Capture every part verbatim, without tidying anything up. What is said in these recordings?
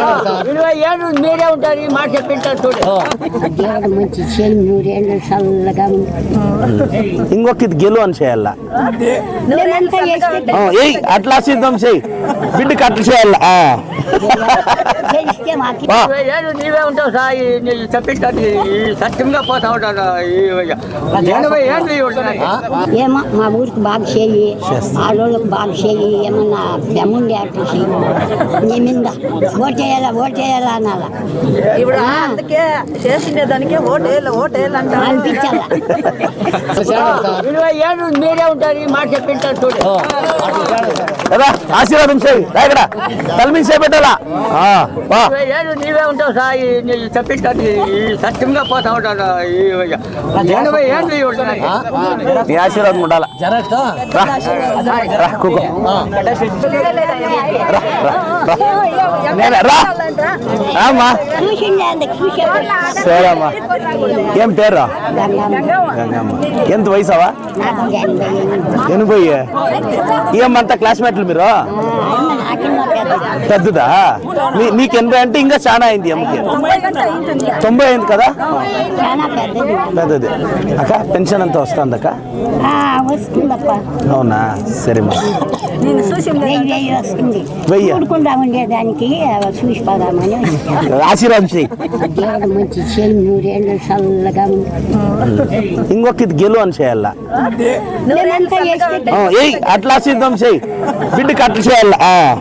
ఇరవై ఏళ్ళు మీరే ఉంటారు ఈ మాట చెప్పింటారు చూడు. మంచి చేయి నూరేళ్ళు చల్లగా ఇంకొక ఇది గెలు అని చేయాల ఏయ్ అట్లా సిద్ధం చేయి బిడ్డకి అట్లా చేయాల ఇరవై ఏళ్ళు నీవే ఉంటావు సార్ చెప్పింటారు సత్యంగా పోతా ఉంటారు. ఎనభై ఏళ్ళు ఏమో మా ఊరికి బాగా చేయి ఆడోళ్ళకి బాగా చేయి ఏమన్నా దమ్ముండి అట్లా చేయి నీ మీద ఓటు వేయాలా ఓటు వేయాలా అనాలా ఇప్పుడు అందుకే చేసిండే దానికే ఓటు వేయాలి ఓటు వేయాలంట అనిపించాలా. ఇరవై ఏళ్ళు మీరే ఉంటారు ఈ మాట చెప్పింటారు చూడు. ఆశీర్వాదం చేయి ఇక్కడ తలమి చేపెట్టాలా ఇరవై ఏళ్ళు నీవే ఉంటావు సార్ చెప్పింటారు సత్యంగా పోతా ఉంటారు. ఎనభై ఏళ్ళు నీ ఆశీర్వాదం ఉండాలా సరేమ్మా ఏం పేరు ఎంత వయసావా ఎనభై ఏమంతా క్లాస్మేట్లు మీరు పెద్దదా నీకు ఎనభై అంటే ఇంకా చాలా అయింది అమ్మకి తొంభై అయింది కదా పెద్దది అక్క పెన్షన్ అంతా వస్తుంది అక్క అవునా సరేమ్మా వెయ్యి ఉండేదానికి చూసి పదామని ఆశీర్వాదం చేయి మంచి చేయి నూరేళ్ళు చల్లగా ఇంకొక ఇది గెలు అని చేయాల ఏయ్ అట్లా సిద్ధం చేయి బిడ్డకి అట్లా చేయాల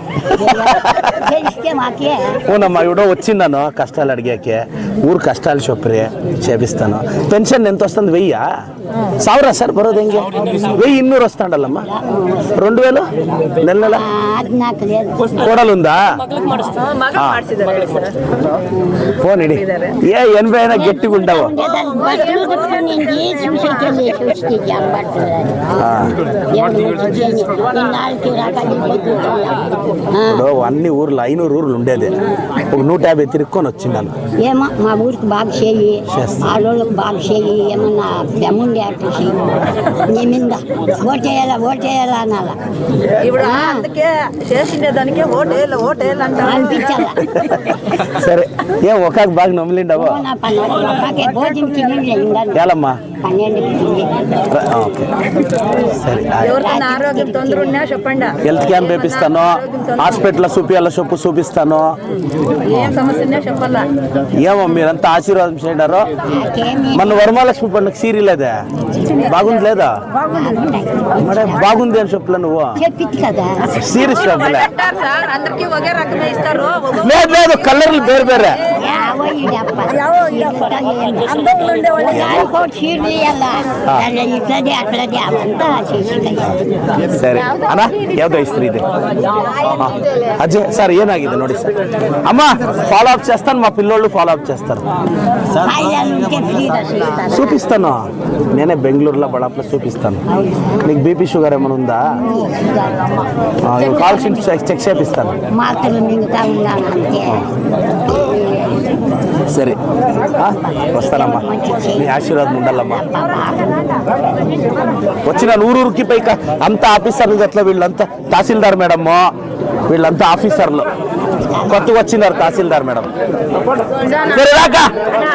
అవునమ్మా ఇవిడో వచ్చిందాను కష్టాలు అడిగాకే ఊరు కష్టాలు చొప్పరే చేపిస్తాను. పెన్షన్ ఎంత వస్తుంది వెయ్యా ಸಾವಿರ ಸರ್ ಬರೋದು ಹೆಂಗೆ వెయ్యి ಇನ್ನೂರು వస్తాండల్లమ్మ రెండు వేలు నెల నెల కోడలుందా పోనీ ఏ ఎనభై అయినా గట్టిగా ఉండవు అన్ని ఊర్లు ఐనూరు ఊర్లు ఉండేది ఒక నూట యాభై తిరుక్కొని వచ్చిండాను. ఏమో మా ఊరికి బాగా చేయి ఆడోళ్ళకి బాగా చేయి ఏమన్నా దమ్ముండి అట్లా చేయి నీ మీద ఓటు వేయాలా ఓటు వేయాలా అనాలా ఇప్పుడు అందుకే చేసిండే దానికే ఓటు వేయాలి ఓటు వేయాలంట అనిపించాలా. సరే ఏం ఒక బాగా నమ్మలిండవా ఏలమ్మా ఎవరికైనా ఆరోగ్యం తొందర ఉన్నా చెప్పండి హెల్త్ క్యాంప్ వేపిస్తాను హాస్పిటల్ చూపియాల చెప్పు చూపిస్తాను ఏం సమస్య ఉన్నా చెప్పాలా. ఏమో మీరంతా ఆశీర్వాదం చేయండారు. మన వరమహాలక్ష్మి పండుగ సీరియల్ అదే బాగుంది లేదా మరి బాగుంది అని చెప్పలే నువ్వు సీరియస్ చెప్పలే అందరికి ఒకే రకమే ఇస్తారు లేదు లేదు కలర్లు వేరు వేరే ಸರಿ ಅಣ್ಣ ಯಾವ್ದು ಇಸ್ತ್ರಿ ಇದೆ అజయ్ సార్ ఏనాಗಿದೆ ನೋಡಿ సార్ అమ్మ ఫాలో అప్ చేస్తాను మా పిల్లోళ్ళు ఫాలో అప్ చేస్తారు చూపిస్తాను నేనే బెంగళూరులో బడాప్లో చూపిస్తాను. నీకు బీపీ షుగర్ ఏమైనా ఉందా కాల్షియం చెక్ చేపిస్తాను. సరే వస్తానమ్మా నీ ఆశీర్వాదం ఉండాలమ్మా. వచ్చిన ఊరూరికి పైక అంతా ఆఫీసర్లు ఎట్లా వీళ్ళంతా తహసీల్దార్ మేడమ్ వీళ్ళంతా ఆఫీసర్లు కొత్తగా వచ్చినారు తహసీల్దార్ మేడం. సరే రాక